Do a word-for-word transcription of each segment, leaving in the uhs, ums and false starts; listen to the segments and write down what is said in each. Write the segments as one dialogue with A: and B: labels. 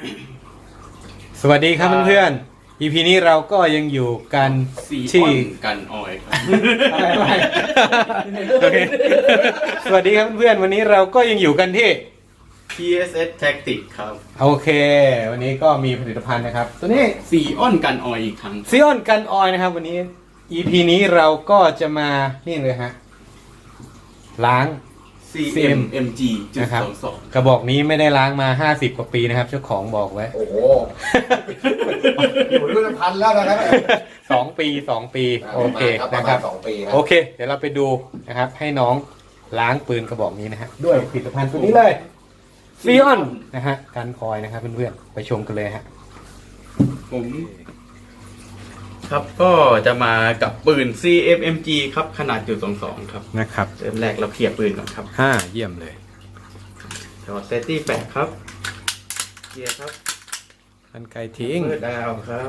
A: สวัสดีครับเพื่อนๆ อี พี นี้เราก็ยังอยู่กันที่
B: กันออยครับ
A: อะไรไปโอเคสวัสดีครับเพื่อนๆวันนี้เราก็ยังอยู่กันที่
B: พี เอส เอส Tactic ครับ
A: โอเค วันนี้ก็มีผลิตภัณฑ์นะครับ ตัวนี้
B: ซีออนกันออยอีกครั้ง
A: ซีออนกันออยนะครับวันนี้ อี พี นี้เราก็จะมานี่เลยฮะล้าง
B: ซี เอ็ม เอ็ม จี จุด
A: นะครับ
B: สองสอง
A: กระบอกนี้ไม่ได้ล้างมาห้าสิบกว่าปีนะครับเจ้าของบอกไว้
C: โอ้โห อยู่รุ่นพันแล้วนะครับ
A: สองปีสองปีโอเคนะครับ
C: สองปีครับ
A: โอเค เดี๋ยวเราไปดูนะครับ ให้น้องล้างปืนกระบอกนี้นะฮะด้วยผลิตภัณฑ์ตัวนี้เลยซีออนนะฮะกันคอยนะครับเพื่อนๆไปชมกันเลยฮะ
B: ผมครับก็จะมากับปืน ซี เอ็ม เอ็ม จี ครับขนาดจุดสองสองครับ
A: นะครับ
B: เริ่มแรกเราเคลียร์ปืนก่อนครับ
A: ห้าเยี่ยมเลย
B: ถอดเซตตี้แปดครับเคลียร์ครับ
A: กันไกลทิ้ง
B: เปิดดาวครับ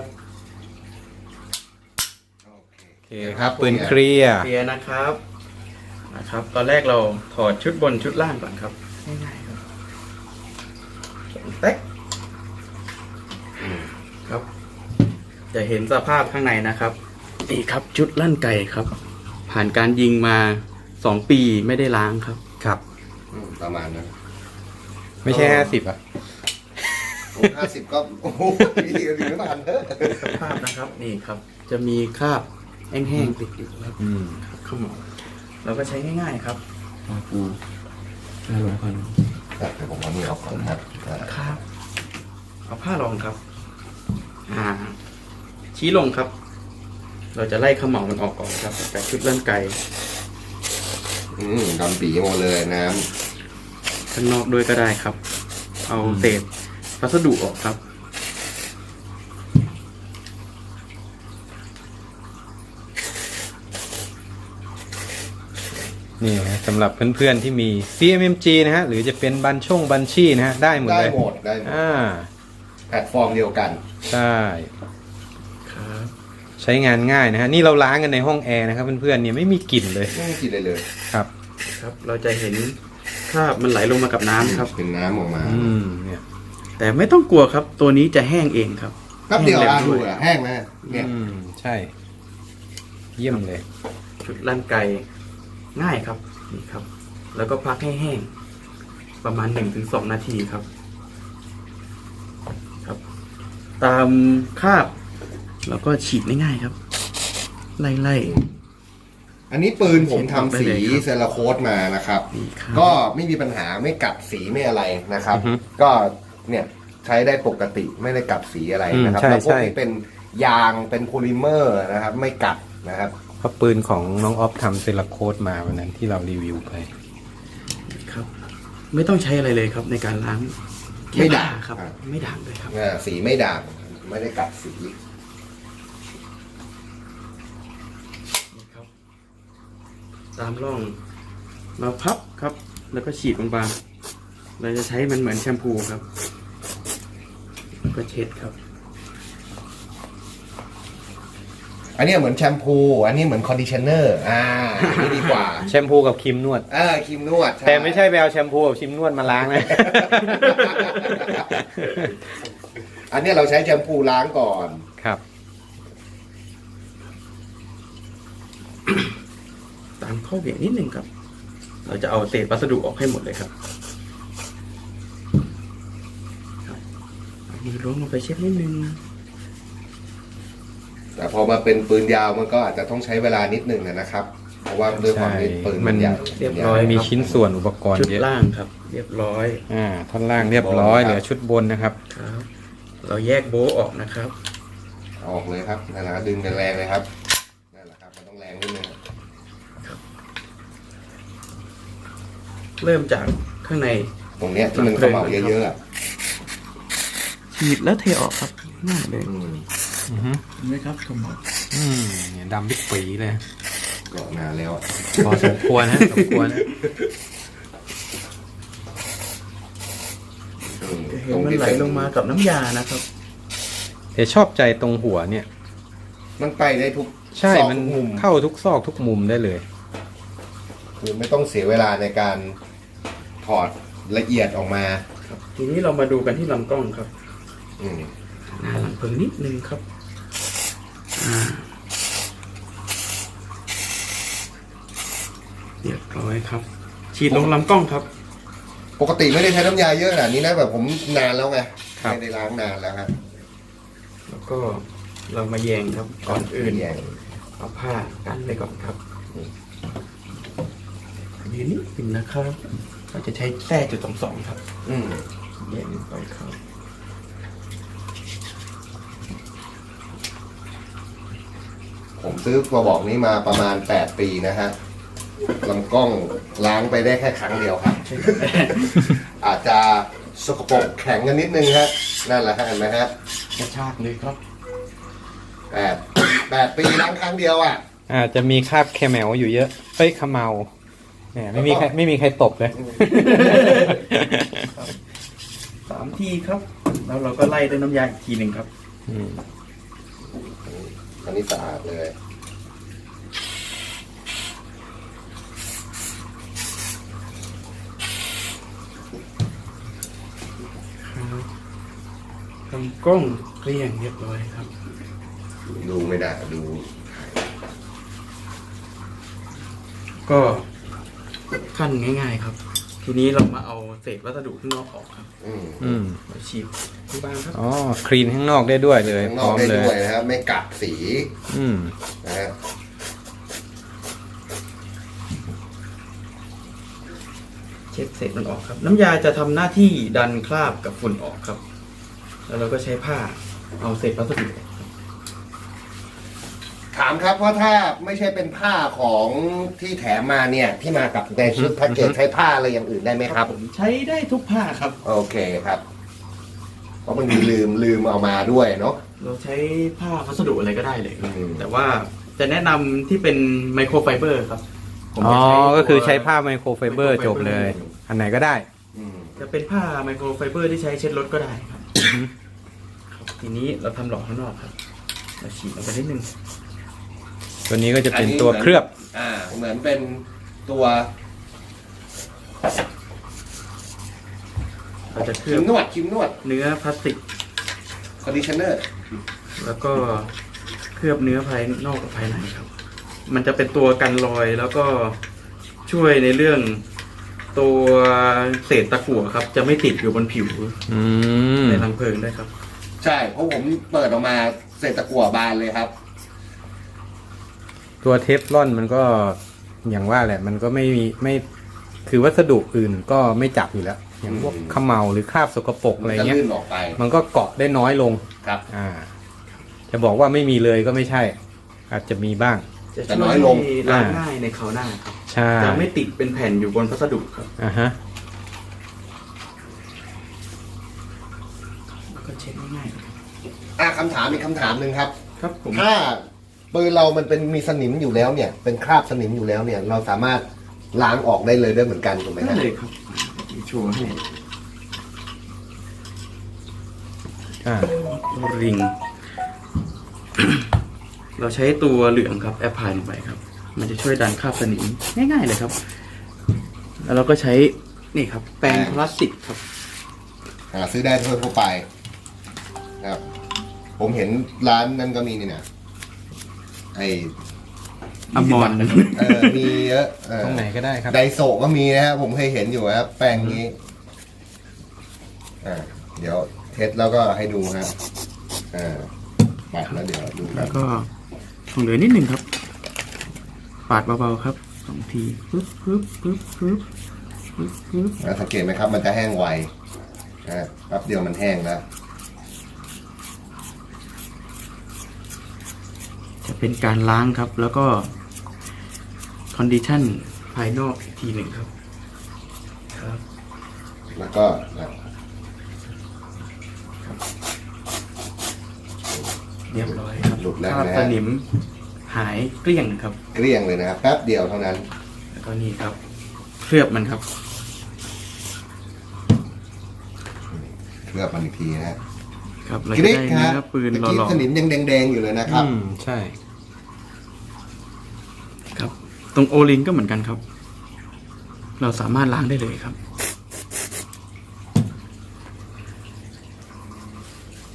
A: โอเคครับปืนเคลียร์
B: เคลียร์นะครับนะครับ ตอนแรกเราถอดชุดบนชุดล่างก่อนครับง่ายๆครับแต๊กครับ จะเห็นสภาพข้างในนะครับนี่ครับชุดลั่นไก่ครับ ผ่านการยิงมาสองปีไม่ได้ล้างครับ
A: ครับ
C: อืมประมาณนั้น
A: ไม่ใช่ห้าสิบอ่ะ
C: ห้าสิบก็ โอ้โหดีกันดีไม่ทันเถอะ
B: สภาพนะครับนี่ครับ จะมีคราบแห้งๆติดอยู่ครับ
A: อืม
B: ขมอเราก็ใช้ง่ายๆครับปูได้ลงพัน
C: แต่เดี๋ยวผมเอานี่ออกก่อนนะครับ
B: ครับเอาผ้ารองครับ อ่า ชี้ลงครับ เราจะไล่ขมเหลามันออกก่อนครับจากชุดลั่นไก่
C: อืมดำปีหมดเลยน้
B: ข้างนอกด้วยก็ได้ครับ เอาเศษวัสดุออกครับ
A: นี่นะสำหรับเพื่อนๆที่มี ซี เอ็ม เอ็ม จี นะฮะหรือจะเป็นบัญช่งบัญชีนะฮะได้หม
C: ำ
A: ด
C: ได้
A: เลย
C: หมดได้หมด
A: อ่า
C: แพลตฟอร์มเดียวกัน
A: ใช่
B: ครับ
A: ใช้งานง่ายนะฮะนี่เราล้างกันในห้องแอร์นะครับเพื่อนๆเนี่ยไม่มีกลิ่นเลย
C: ไม่มีกลินเลยเลย
A: ครับ
B: ครับ เราจะเห็นคราบมันไหลลงมากับน้ำครับ
C: เป็นน้ำออกมา
A: อืมเนี่ย
B: แต่ไม่ต้องกลัวครับ ตัวนี้จะแห้งเองครับ
C: แป๊บเดียว
B: แห้ง
C: อ่ะ
B: ร็
C: ดู
B: ด้วย
C: อ่ะแห้งนะเนี่ย
A: อืมใช่ เยี่ยมเลย
B: ชุดลั่นไก่ง่ายครับนี่ครับ แล้วก็พักให้แห้งประมาณหนึ่งถึงสองนาทีครับ ครับ ตามคราบแล้วก็ฉีดง่ายๆครับ ไล่
C: อันนี้ปืนผมทำสี
B: ได้เลยครับ
C: เซราโคตมานะครับ
B: ๆนี่ครับ
C: ก็ไม่มีปัญหาไม่กัดสีไม่อะไรนะครับ
A: อือฮึ
C: ก็เนี่ยใช้ได้ปกติไม่ได้กัดสีอะไรนะครับ
A: อืมใช่
C: แล้วพวก
A: ใช่
C: นี้เป็นยางเป็นโพลิเมอร์นะครับ ไม่กัดนะครับ
A: เพราะปืนของน้องออฟทำเซราโคตมาวันนั้นที่เรารีวิวไป
B: ครับ ไม่ต้องใช้อะไรเลยครับ ในการล้าง
C: ไม่ด่าง
B: แค่ผ้ครับ
C: อ่า
B: ไม่ด่างเลยครับ
C: อ่าสีไม่ด่างไม่ได้กัดสี
B: นี่ครับ ตามร่องเราพับครับ แล้วก็ฉีดบางๆเราจะใช้มันเหมือนแชมพูครับแล้วก็เช็ดครับ
C: อันนี้เหมือนแชมพู อันนี้เหมือนคอนดิชเนอร์อ่าอันนี้ดีกว่า
A: แชมพูกับครีมนวด
C: เออครีมนวด
A: แต่ไม่ใช่ไปเอาแชมพูกับครีมนวดมาล้างนะ
C: อันนี้เราใช้แชมพูล้างก่อน
A: ครับ
B: ตามข้อเหวี่ยงนิดนึงครับ เราจะเอาเศษวัสดุออกให้หมดเลยครับครับเอามือล้วงลงไปเช็ดนิดนึง
C: แต่พอมาเป็นปืนยาวมันก็อาจจะต้องใช้เวลานิดนึงนะครับ เพราะว่าด้วยความที่ปืนมันใหญ่
B: เรียบร้อย
A: มีชิ้นส่วนอุปกรณ์
B: ชุด
A: เยอะ
B: ล่างครับ เรียบร้อย
A: อ่าท่อนล่างเรียบร้อยเหลือชุดบนนะครับ
B: ครับ เราแยกโบ๊ะออกนะครับ
C: ออกเลยครับนั่นแหละครับดึงแรงๆเลยครับนั่นแหละครับมันต้องแรงนิดนึง
B: เริ่มจากข้างใน
C: ตรงเนี้ยที่มันเขม่าเยอะๆอะ
B: ฉีดแล้วเทออกครับง่ายเลย
C: อืม
A: อือฮึ
B: เห็นไหมครับขม่า
A: อืมเนี่ยดำบิ๊กปีเลย
C: ก็นานแล้วอะ
A: พอสมควรนะสมควรนะ
C: อืม
B: จะเห็นมันไหลลงมากับน้ำยานะครับ
A: แต่ชอบใจตรงหัวเนี่ย
C: มันไปได้ทุก
A: ใช่
C: ซอก
A: มัน
C: ทุกมุม
A: เข้าทุกซอกทุกมุมได้เลย
C: คือไม่ต้องเสียเวลาในการถอดละเอียดออกมา
B: ทีนี้เรามาดูกันที่ลำกล้องครับ
C: อืม
B: หน้าหลังเพลิงนิดนึงครับอ่าเรียบร้อยครับ ฉีดลงลำกล้องครับ
C: ปกติไม่ได้ใช้น้ำยาเยอะขนาดนี้นะแบบผมนานแล้วไง
A: ครับ
C: ไม่ได้ล้างนานแล้วครับ
B: แล้วก็เรามาแยงครับก่อนอื่น
C: แยง
B: เอาผ้ากันไปก่อนครับยืนนิดหนึ่งนะครับเราจะใช้แส้จุดสองสองครับ
C: อืม
B: แยงไปครับ
C: ผมซื้อกระบอกนี้มาประมาณแปดปีนะฮะลำกล้องล้างไปได้แค่ครั้งเดียวครับ อาจจะสกปรกแข็งกันนิดนึงฮะนั่นแหละฮะเห็นไหมฮะ
B: กระชากเลยครับ
C: แปดแปดปีล้างครั้งเดียวอ่ะ
A: อาจจะมีคราบแคแมวอยู่เยอะเอ้ยขมเมาเนี่ยไม่มีใครไม่มีใครตบเลย
B: สามทีครับ แล้วเราก็ไล่ด้วยน้ำยาอีกทีหนึ่งครับ
A: อืม
C: อันนี้สะอาดเลย
B: ลำกล้องเกลี้ยงเรียบร้อยครับ
C: ดูไม่ได้ดู
B: ก็ขั้นง่ายๆครับ ทีนี้เรามาเอาเศษวัสดุข้างนอกออกครับ
C: อืม
A: อืม
B: มาฉีดที่บ้านครับ
A: อ๋อคลีนข้างนอกได้ด้วยเลย
C: ข้าง
A: พ
C: นอ
A: ร้
C: ก
A: อม
C: ได้
A: เลย
C: ด้วยนะครับไม่กัดสี
A: อืม
C: นะฮะ
B: เช็ดเศษมันออกครับ น้ำยาจะทำหน้าที่ดันคราบกับฝุ่นออกครับ แล้วเราก็ใช้ผ้าเอาเศษวัสดุออกครับ
C: ถามครับว่าถ้าไม่ใช่เป็นผ้าของที่แถมมาเนี่ย ที่มากับในชุดแพ็กเกจใช้ผ้าอะไรอย่างอื่นได้ไหมครับ
B: ผมใช้ได้ทุกผ้าครับ
C: โอเคครับ เพราะบางทีลืมลืมเอามาด้วยเนาะ
B: เราใช้ผ้าวัสดุอะไรก็ได้เลยครับ
C: อืม
B: แต่ว่าจะแนะนำที่เป็นไมโครไฟเบอร์ครับผม
A: อ๋อ
B: จะใช้ตัว
A: ก็คือใช้ผ้าไมโครไฟเบอร์จบเลย อันไหนก็ได้
C: อืม
B: จะเป็นผ้าไมโครไฟเบอร์ที่ใช้เช็ดรถก็ได้ครับ ครับทีนี้เราทำหลอดข้างนอกครับเราฉีดลงไปนิดนึง
A: ตัวนี้ก็จะเป็นตัวเคลือบ
C: อ่า เหมือนเป็นตัว
B: เราจะเค
C: ค
B: ลื
C: รี
B: อบ
C: มนวดครีมนวด
B: เนื้อพลาสติก
C: คอนดิชเนอร์
B: แล้วก็เคลือบเนื้อภายนอกกับภายในครับ มันจะเป็นตัวกันรอยแล้วก็ช่วยในเรื่องตัวเศษตะกั่วครับ จะไม่ติดอยู่บนผิว
A: อืม
B: ในรังเพลิงได้วยครับ
C: ใช่ เพราะผมเปิดออกมาเศษตะกั่วบานเลยครับ
A: ตัวเทฟลอนมันก็อย่างว่าแหละ มันก็ไม่มีไม่คือวัสดุอื่นก็ไม่จับอยู่แล้ว อย่างพวก
C: อืม
A: เขมเมาหรือคราบสกปรกอะไร
C: จะ
A: เงี้ย
C: ลื่นออกไป
A: มันก็เกาะได้น้อยลง
C: ครับ
A: อ่า จะบอกว่าไม่มีเลยก็ไม่ใช่ อาจจะมีบ้าง
B: จะ
C: แต่
B: ช่
C: น้
B: ว
C: อย ยลง
B: ให้ล้างง่ายในคราวหน้าครับ
A: ใช่
B: จะไม่ติดเป็นแผ่นอยู่บนพัสดุครับ
A: อ่าฮะ
B: แล้วก็เช็ดง่ายๆครับ
C: อ่ะคำถามอีกคำถามหนึ่งครับ
B: ครับผม
C: ถ้าปืนเรามันเป็นมีสนิมอยู่แล้วเนี่ย เป็นคราบสนิมอยู่แล้วเนี่ย เราสามารถล้างออกได้เลยด้วยเหมือนกันถูกไหม
B: ได้
C: ฮะ
B: เลยครับโชว์ให้
A: อ่า
B: ริง เราใช้ตัวเหลืองครับแอปพลายลงไปครับ มันจะช่วยดันคราบสนิมง่ายๆเลยครับ แล้วเราก็ใช้นี่ครับ แปรงพลาสติกครับ
C: หาซื้อได้ทั่วไปนะครับ ผมเห็นร้านนั้นก็มีนี่นะไอ
B: อมร
C: เออมีเยอะเออ
A: ตรงไหนก็ได้ครับ
C: ไดโซะก็มีนะฮะผมเคยเห็นอยู่ครับแป้งนี้อ่าเดี๋ยวเทสแล้วก็ให้ดูฮะอ่าปัดแล้วเดี๋ยวดูกั
B: แล้
C: น
B: วก็ของเหลือนิดหนึ่งครับ ปาดเบาๆครับสองทีปึ๊บปึ๊บปึ๊บปึ๊บปึ๊บปึ๊บ
C: แล้วสังเกตไหมครับ มันจะแห้งไวนะแป๊บเดียวมันแห้งแล้ว
B: จะเป็นการล้างครับ แล้วก็คอนดิชันภายนอกอีกทีหนึ่งครับ ครับ
C: แล้วก็นะ
B: เรียบร้อยครับ
C: หลุดแล้ว
B: คราบ
C: นะ
B: ส
C: ฮะ
B: นิมหายเกลี้ยงครับ
C: เกลี้ยงเลยนะครับแป๊บเดียวเท่านั้น
B: แล้วก็นี่ครับ เคลือบมันครับ
C: เคลือบมันอีกทีนะฮะ
B: ครับเรา
C: ก
B: จะ
C: ริ๊ก
B: ได้
C: ฮะ
B: เนื้อปืน
C: ตะ
B: ห
C: กี้
B: ล่อ
C: สนิมยังแดงๆอยู่เลยนะครับ
A: อืม ใช่
B: ๆครับ ตรงโอลิงก็เหมือนกันครับ เราสามารถล้างได้เลยครับ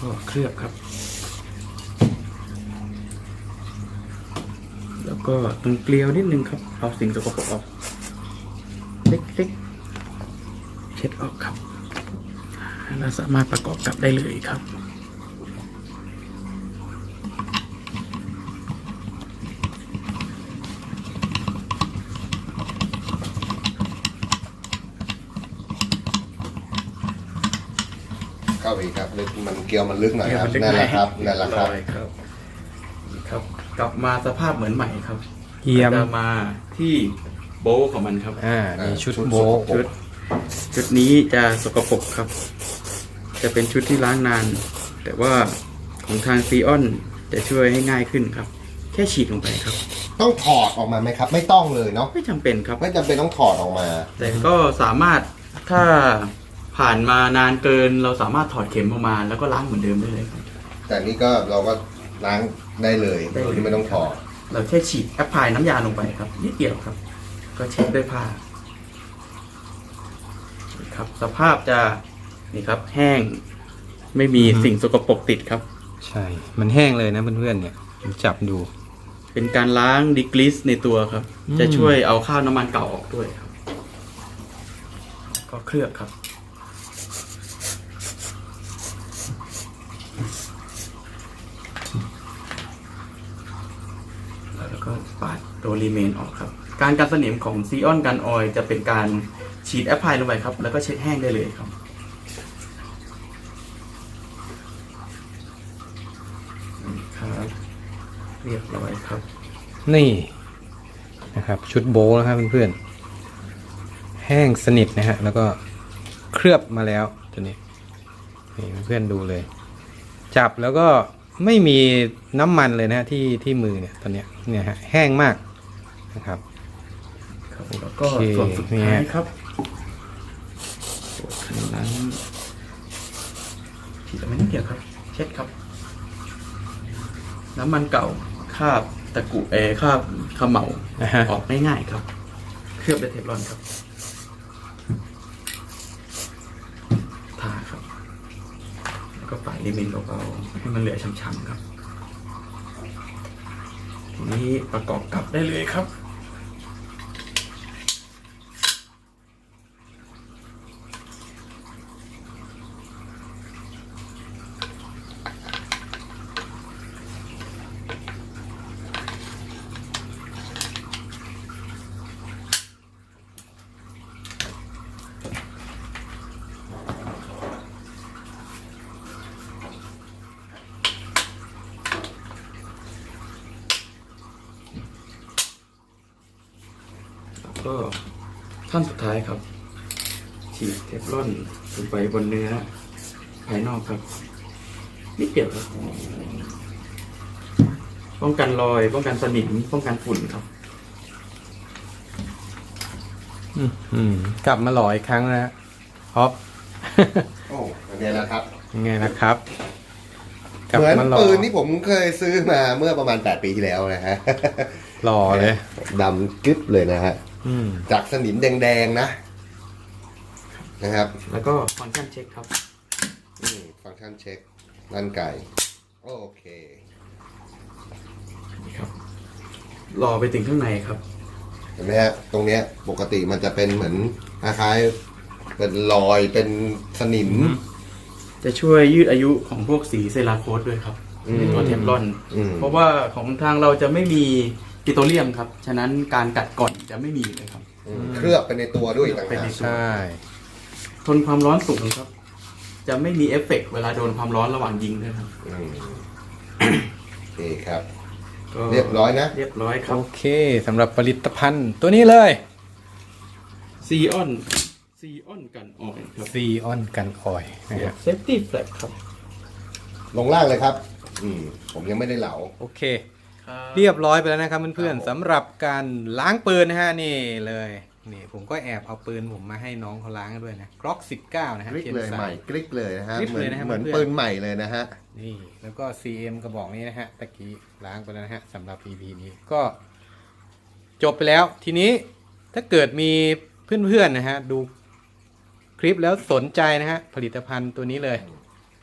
B: ก็เคลือบครับ แล้วก็ตรงเกลียวนิดนึงครับเอาสิ่งสกปรกออกเล็กๆเช็ดออกครับเราสามารถประกอบกลับได้เลยครับ
C: เข้าไปอีกครับลึกมันเกลียวมันลึกหน่อยครับ
B: เกลียวมันลึก
C: นั่นแหละครับนั่นแหละครับ
B: เรียบร้อยครับนี่ครับ กลับมาสภาพเหมือนใหม่ครับ
A: เยี่ยม
B: จะมาที่โบว์ของมันครับ
A: อ่านี่ชุด
C: ชุด
A: โบะ
C: สกปรก
B: ชุดชุดนี้จะสกปรกครับ จะเป็นชุดที่ล้างนาน แต่ว่าของทางซีออนจะช่วยให้ง่ายขึ้นครับ แค่ฉีดลงไปครับ
C: ต้องถอดออกมาไหมครับ ไม่ต้องเลยเนาะ
B: ไม่จำเป็นครับ
C: ไม่จำเป็นต้องถอดออกมา
B: แต่ก็สามารถถ้าผ่านมานานเกินเราสามารถถอดเข็มออกมาแล้วก็ล้างเหมือนเดิมได้เลยครับ
C: แต่นี่ก็เราก็ล้างได้เลย
B: ได้เลย
C: โดยที่ไม่ต้องถอด
B: เราแค่ฉีดแอปพลายน้ำยาลงไปครับนิดเดียวครับ ก็เช็ดด้วยผ้านี่ครับ สภาพจะนี่ครับ แห้งไม่มีสิ่งสกปรกติดครับ
A: ใช่ มันแห้งเลยนะเพื่อนๆเนี่ยผมจับดู
B: เป็นการล้างดีกริสในตัวครับ
A: อืม
B: จะช่วยเอาคราบน้ำมันเก่าออกด้วยครับ ก็เคลือบครับ แล้วก็ปาดตัวรีเมนออกครับ การกันสนิมของซีออนกันออยจะเป็นการฉีดแอปพลายลงไปครับ แล้วก็เช็ดแห้งได้เลยครับครับ เรียบร้อยครับ
A: นี่นะครับ ชุดโบะนะครับเพื่อนๆแห้งสนิทนะฮะแล้วก็เคลือบมาแล้วตัวนี้นี่เพื่อนๆดูเลย จับแล้วก็ไม่มีน้ำมันเลยนะฮะที่ที่มือเนี่ยตอนเนี้ยเนี่ยฮะแห้งมากนะครับ
B: ครับแล้วก็
A: โอเค
B: ส่วนสุด
A: เนี่
B: ท้าย ยครับตัวคันนั้นฉีดไม่นิดเดียวครับ เช็ดครับ น้ำมันเก่าคราบตะกุเออคราบเขมเหลา
A: นะฮะ
B: ออกง่ายๆครับ เคลือบด้วยเทฟลอนครับทาครับ แล้วก็ปาดลิมินเบาๆให้มันเหลือช้ำๆครับ ทีนี้ประกอบกลับได้เลยครับ ก็ขั้นสุดท้ายครับ ฉีดเทฟลอนลงไปบนเนื้อภายนอกครับนิดเดียวครับป้องกันรอย ป้องกันสนิมป้องกันฝุ่นครับ
A: อืมอืมกลับมาหล่ออีกครั้งนะฮะฮอป
C: โอ้อันนี้นะครับ
A: ยังไงนะครับกลับ
C: เหมือน
A: มาหล่อ
C: ปืนที่ผมเคยซื้อมาเมื่อประมาณแปดปีที่แล้วนะฮะ
A: หล่อเลย
C: ดำกึ๊บเลยนะฮะ
A: อืม
C: จากสนิมแดงๆนะนะครับ
B: แล้วก็ฟังก์ชันเช็คครับ
C: อืมฟังก์ชันเช็คลั่นไก่ โอเค
B: นี่ครับ รอไปถึงข้างในครับ
C: เห็นไหมฮะ ตรงเนี้ยปกติมันจะเป็นเหมือนคล้ายๆเป็นรอยเป็นสนิม
B: จะช่วยยืดอายุของพวกสีเซราโคสด้วยครับ
C: อืม
B: ในตัวเทฟลอน
C: อืม
B: เพราะว่าของทางเราจะไม่มีปิโตรเลียมครับ ฉะนั้นการกัดก่อนจะไม่มีเลยครับ
C: อืมเคลือบไปในตัวด้วยต่าง
B: เป็น
C: หา
B: ใน
C: ก
B: ตัว
A: ใช่
B: ทนความร้อนสูงครับ จะไม่มีเอฟเฟกต์เวลาโดนความร้อนระหว่างยิงด้วยครับ
C: อืมโอเคครับ
B: ก็
C: เรียบร้อยนะ
B: เรียบร้อยครั
A: โอบ เคสำหรับผลิตภัณฑ์ตัวนี้เลย
B: ซีออนซีออนกันออยครับ
A: ซีออนกันออยนะครับ
B: เซฟตี้แฟลกครับ
C: ลงล่างเลยครับ อืมผมยังไม่ได้เหลา
A: โอเค เรียบร้อยไปแล้วนะครับเพื่อน
C: ครับผม
A: ๆสำหรับการล้างปืนนะฮะนี่เลยนี่ผมก็แอบเอาปืนผมมาให้น้องเขาล้างด้วยนะกล็อกสิบเก้านะฮะ
C: กริ๊ก
A: จน
C: เลย
A: สา
C: ใหม่กริ๊กเลยนะฮะ
A: กริ๊ก
C: เหมื
A: เล
C: อย น
A: นะฮะ
C: เหมือน
A: เพื่อน
C: ปืนใหม่เลยนะฮะ
A: นี่แล้วก็ ซี เอ็ม กระบอกนี้นะฮะตะกี้ล้างไปแล้วนะฮะสำหรับ อี พี นี้ก็จบไปแล้วทีนี้ถ้าเกิดมีเพื่อนๆนะฮะดูคลิปแล้วสนใจนะฮะผลิตภัณฑ์ตัวนี้เลย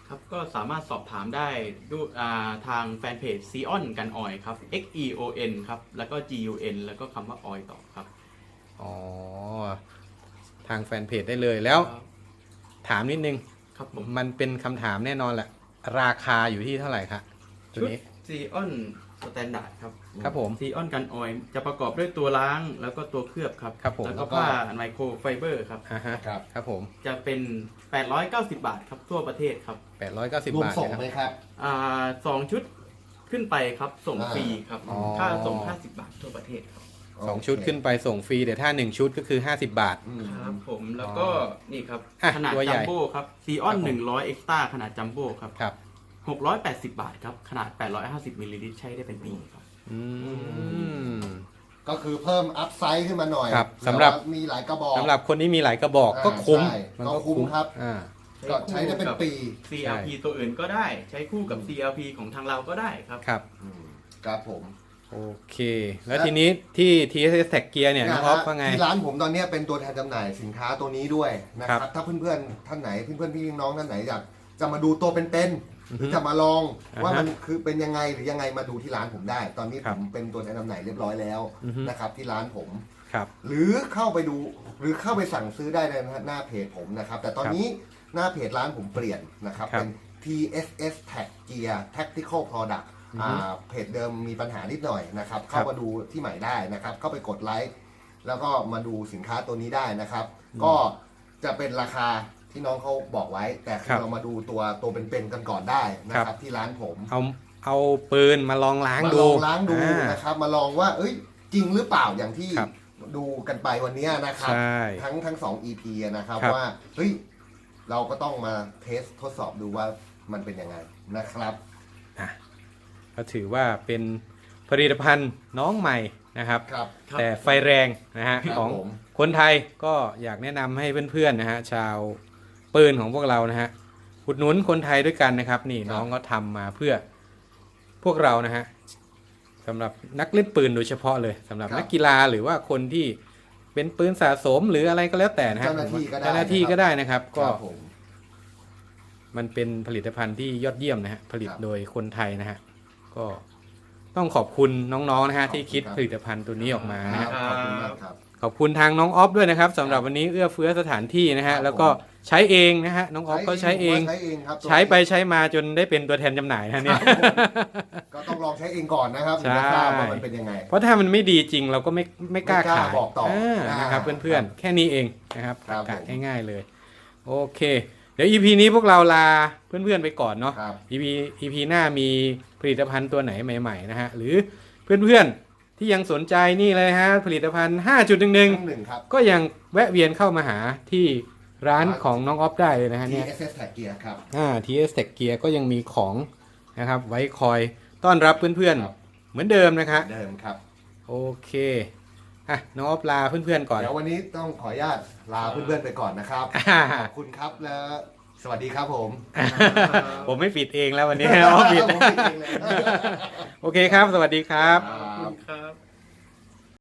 B: ครับก็สามารถสอบถามได้ดูอ่าทางแฟนเพจ Xeon กันออยครับ X E O N ครับแล้วก็ G U N แล้วก็คำว่าออยต่อครับ
A: อ๋อ ทางแฟนเพจได้เลยแล้ว
B: ครับ
A: ถามนิดนึง
B: ครับผม
A: มันเป็นคำถามแน่นอนแหละ ราคาอยู่ที่เท่าไหร่คะตัว
B: ชุด
A: นี้
B: Xeon Standard ครับ
A: ครับผม
B: Xeon กันออยจะประกอบด้วยตัวล้างแล้วก็ตัวเคลือบครับ
A: ครับผม
B: แล้วก็ผ้าไมโครไฟเบอร์ครับ
A: อ่าฮะ
C: ครับ
A: ครับผม
B: จะเป็น แปดร้อยเก้าสิบบาทครับทั่วประเทศครับ
A: แปดร้อยเก้าสิบ
C: รวม
A: บาท
C: ส่ง
A: นะครับ
C: ไหมครับ
B: อ่าสองชุดขึ้นไปครับส่ง
C: อ่า
B: ฟรีครับ
A: อ๋อ
B: ค่าส่งห้าสิบบาททั่วประเทศครับ
A: สองชุดขึ้นไปส่งฟรีแต่ถ้าหนึ่งชุดก็คือห้าสิบบาท
C: อืม
B: ครับผมแล้วก็นี่ครับ
A: อ่ะ
B: ขนาด
A: ตัวใหญ่
B: จัมโบ้ครับซีออน
A: ครับผม
B: หนึ่งร้อยเอ็กซ์ต้าขนาดจัมโบ้ครับ
A: ครับ
B: หกร้อยแปดสิบบาทครับ ขนาดแปดร้อยห้าสิบมิลลิลิตรใช้ได้เป็นปีครับ
A: อืม
C: ก็คือเพิ่มอัพไซด์ขึ้นมาหน่อย
A: ครับสำหรับ
C: แต่ว่ามีหลายกระบอก
A: สำหรับคนที่มีหลายกระบอก
C: อ่า
A: ก็คุ้ม
C: ใช่
A: มัน
C: ก็คุ้มครับ
A: อ่า
C: ก็ใช้ได้เป็นปี
B: ซี แอล พี ตัวอื่นก็ได้ใช้คู่กับ ซี แอล พี ของทางเราก็ได้ครับ
A: ครับ
C: อืมครับผม
A: โอเค แล้วทีนี้ที่ ที เอส เอส Tag Gear เนี่ยน้องออฟว่าไง
C: ที่ร้านผมตอนเนี้ยเป็นตัวแทนจำหน่ายสินค้าตัวนี้ด้วยนะค
A: ครั
C: รับ
A: บ
C: ถ้าเพื่อนๆท่านไหนเพื่อนๆพี่น้องท่านไหนอยากจะมาดูตัวเป็นๆหรือจะมาลอง
A: อ่าฮะ
C: ว่ามันคือเป็นยังไงหรือยังไงมาดูที่ร้านผมได้ ตอนนี้
A: ค
C: ผ
A: รับ
C: มเป็นตัวแทนจำหน่ายเรียบร้อยแล้ว
A: อือฮึ
C: นะครับที่ร้านผม
A: ครับ
C: หรือเข้าไปดูหรือเข้าไปสั่งซื้อได้ในหน้าเพจผมนะครับ แต่ตอนนี้หน้าเพจร้านผมเปลี่ยนนะครับ
A: ครับ
C: เป็น ที เอส เอส Tag Gear Tactical Product
A: อือฮึ
C: อ่าเพจเดิมมีปัญหานิดหน่อยนะครับ เข้ามาดูที่ใหม่ได้นะครับ เข้าไปกดไลค์แล้วก็มาดูสินค้าตัวนี้ได้นะครับ ก็จะเป็นราคาที่น้องเขาบอกไว้ แต่คื
A: ครั
C: อบ เรามาดูตัวตัวเป็นๆกันก่อนได้นะค
A: ครั
C: รับบ ที่ร้านผม
A: เอาเอาปืนมาลองล้าง
C: มา
A: ดู
C: ลองล้างดู
A: อ่า
C: นะครับ มาลองว่า เอ้ยจริงหรือเปล่าอย่างที่
A: ครับ
C: ดูกันไปวันนี้นะครับ
A: ใช่
C: ทั้งทั้งสอง อี พี นะครับ
A: ครับ
C: ว่าเฮ้ยเราก็ต้องมาเทสทดสอบดูว่ามันเป็นยังไงนะครับ
A: อ่ะก็ถือว่าเป็นผลิตภัณฑ์น้องใหม่นะครับ
C: ครับ
B: ครับ
A: แต่ไฟแรงนะฮะ
C: ครับ
A: ของ
C: ผม
A: คนไทยก็อยากแนะนำให้เพื่อนๆนะฮะชาวปืนของพวกเรานะฮะอุดหนุนคนไทยด้วยกันนะครับ นี่น้องก็ทำมาเพื่อพวกเรานะฮะสำหรับนักเล่นปืนโดยเฉพาะเลยสำหรับนักกีฬาหรือว่าคนที่เป็นปืนสะสมหรืออะไรก็แล้วแต่นะฮะ
C: เจ้าหน้าที่ก็ได้
A: เจ้าหน้าที่ก็ได้นะครับ
C: ค
A: ก็
C: รับผม
A: มันเป็นผลิตภัณฑ์ที่ยอดเยี่ยมนะฮะผลิต
C: ครับ
A: โดยคนไทยนะฮะก็ต้องขอบคุณน้องๆนะฮะ
C: ขอบคุณ
A: ที่คิด
C: ครับ
A: ผลิตภัณฑ์ตัวนี้ออกมานะฮะ
C: ขอบคุณมากครับ
A: ขอบคุณทางน้องออฟด้วยนะครับสำหรับวันนี้เอื้อเฟื้อสถานที่นะ
C: ครั
A: ฮะ
C: บ
A: แล้วก็ใช้เองนะฮะน้องออฟก็ใช้เอง
C: ใช้เองครับ
A: ใช้ไปใช้มาจนได้เป็นตัวแทนจำหน่ายนะเนี่ย
C: ก็ต้องลองใช้เองก่อนนะครับ
A: ใช่
C: ถึงจะทราบว่ามันเป็นยังไง
A: เพราะถ้ามันไม่ดีจริงเราก็ไม่ไม่กล้า
C: ไม่กล้า
A: ขาย
C: บอกต่ออ่
A: นะครับ
C: อ่า
A: เพื่อนๆ แค่นี้เองนะครับ
C: ครับ
A: กะ
C: ผม
A: ง่ายๆเลย โอเค เดี๋ยว อี พี นี้พวกเราลาเพื่อนๆไปก่อนเนาะ
C: ครับ
A: อี พี อี พี หน้ามีผลิตภัณฑ์ตัวไหนใหม่ๆนะฮะหรือเพื่อนๆที่ยังสนใจนี่เลยฮะผลิตภัณฑ์ ห้าจุดหนึ่งหนึ่ง
C: หนึ่งครับ
A: ก็ยังแวะเวียนเข้ามาหาที่ร้านของน้องออฟได้เลยนะฮะ
C: ที
A: เนี่ย
C: เอส เอส Tag Gear ครับ
A: อ่า ที เอส Tag Gear ก็ยังมีของนะครับไว้คอยต้อนรับเพื่อน
C: ครับ
A: ๆ เหมือนเดิมนะครับ
C: เดิมครับ
A: โอเคอ่ะน้องออฟลาเพื่อนๆก่อน
C: เดี๋ยววันนี้ต้องขออนุญาตลาเพื่อนๆไปก่อนนะครับ
A: อ่า
C: ขอบคุณครับแล้วสวัสดีครับผม
A: ผมไม่ปิดเองแล้ววันนี้ ออฟปิด
C: ผมปิดเองเลย
A: โอเคครับ สวัสดีครับ
C: ครับ